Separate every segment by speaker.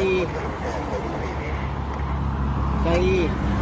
Speaker 1: อี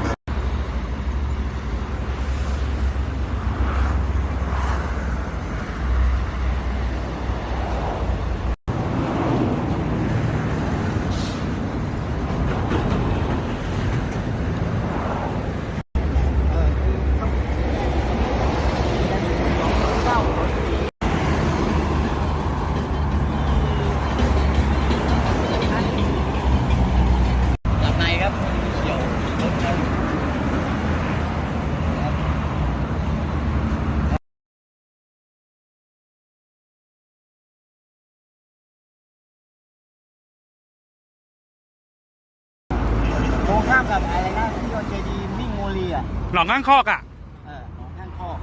Speaker 1: ตรงข้ามกับอะไรนะที่โดนเจดีมิ่งโมลีอ่ะ
Speaker 2: หนองข้างคอกอ่ะ
Speaker 1: หนองข้างคอก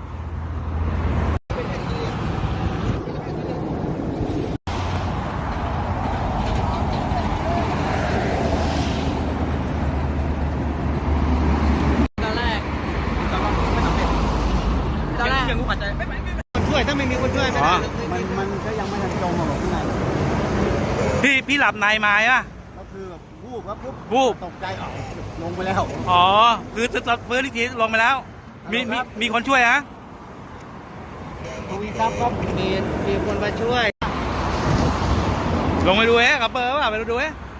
Speaker 1: ตอนแรกไม่สำเร็จตอนแรกยังรู้ปัจจัยไม่ช่วยถ้าไม่มีคนช่วยไม่ได้มันก็ยังไม่ทันจมหรอกข้างใน
Speaker 2: พี่หลับในมาอ่ะ
Speaker 1: ก็คือแบบวูบครับ
Speaker 2: วูบ
Speaker 1: ตกใจลงไปแล้ว
Speaker 2: อ๋อคือจะฟื้นอีกทีลงไปแล้วมีคนช่วยฮะ
Speaker 1: ทวีทรัพย์ครับมีคนมาช่วย
Speaker 2: ลงไปดูกับเบอร์ป่ะไปดู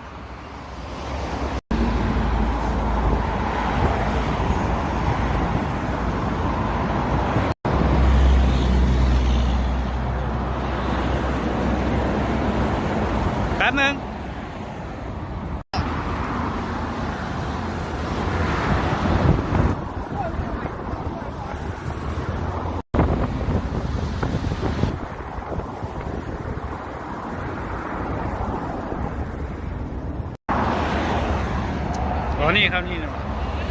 Speaker 2: แป๊บนึงอ๋อนี่ครับนี่นะ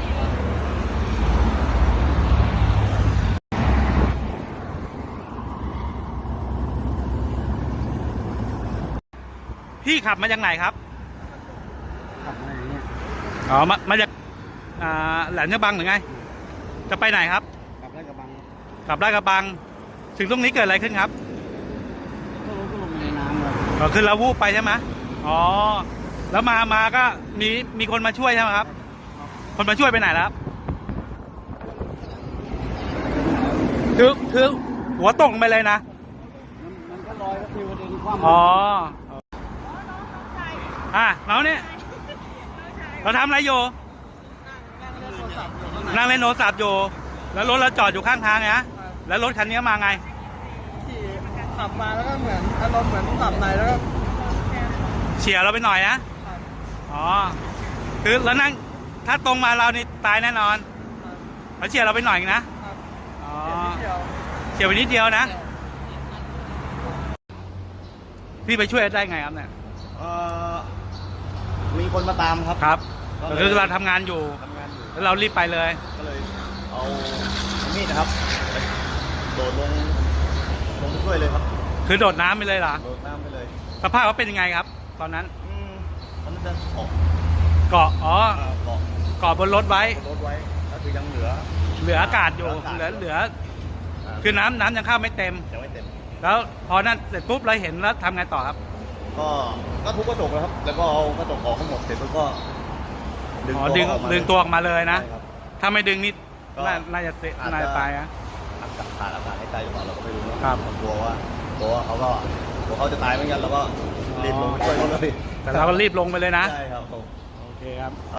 Speaker 2: พี่ขับมาจากไหนครับ
Speaker 1: ขับมาอย่างเงี้ย
Speaker 2: อ๋อมาจากแหลมฉบังหรือไงจะไปไหนครับ
Speaker 1: กลับไร่กระบัง
Speaker 2: ถึงตรงนี้เกิดอะไรขึ้นครับ
Speaker 1: ก็ลงในน้ำเลย
Speaker 2: ขึ้นแล้ววูบไปใช่ไหมอ๋อแล้วมาก็มีคนมาช่วยใช่ไหมครับคนมาช่วยไปไหนแล้วคือหัวตกไปเลยนะ
Speaker 1: มันก็ลอยก็คือประเด็นความ
Speaker 2: อ๋อเราเนี่ยเราทำอะไรอยู่นั่งเล่นโทรศัพท์อยู่แล้วรถเราจอดอยู่ข้างทางไงแล้วรถคันนี้มาไง
Speaker 1: ขี่ขับมาแล้วก็เหมือนอารมณ์เหมือนขับในแล้วก็
Speaker 2: เฉี่ยวเราไปหน่อยนะอ๋อคือแล้วนั่งถ้าตรงมาเรานี่ตายแน่นอนเขาเฉี่ยวเราไปหน่อยนะอ๋อเฉี่ยวไปนิดเดียวนะพี่ไปช่วยได้ไงครับเนี่ย
Speaker 1: มีคนมาตาม
Speaker 2: ครับคือเราทำงานอยู่แล้วเรารีบไปเลย
Speaker 1: ก็เลยเอามีดนะครับโดดลงไปช่วยเลยครับ
Speaker 2: คือโดดน้ำไปเลยเหรอ
Speaker 1: โดดน้ำไปเลย
Speaker 2: สภาพเขาเป็นยังไงครับตอนนั้น
Speaker 1: จะ
Speaker 2: เกาะเกาะบนรถไว้
Speaker 1: ก็คือยังเหลือ
Speaker 2: อากาศอยู่เหลือคือน้ำยังเข้าไม่เต็มแล้วพอนั้นเสร็จปุ๊บเราเห็นแล้วทำไงต่อครับ
Speaker 1: ก็ทุบกระจกเลยครับแล้วก็เอากระจกออกทั้งหมดเสร็จแล้วก็
Speaker 2: ดึงตัวออกมาเลยนะถ้าไม่ดึงนี่น่าจะตาย
Speaker 1: ขาดอากาศหายใจหรือเปล่าเราก็ไม่รู้นะครับกลัวว่าเขาจะตายเหมือนกันเราก็รีบลงไปช่วยเขาเลย
Speaker 2: แต่เราก็รีบลงไปเลยนะ
Speaker 1: ใช่ครับ
Speaker 2: โอเคครับ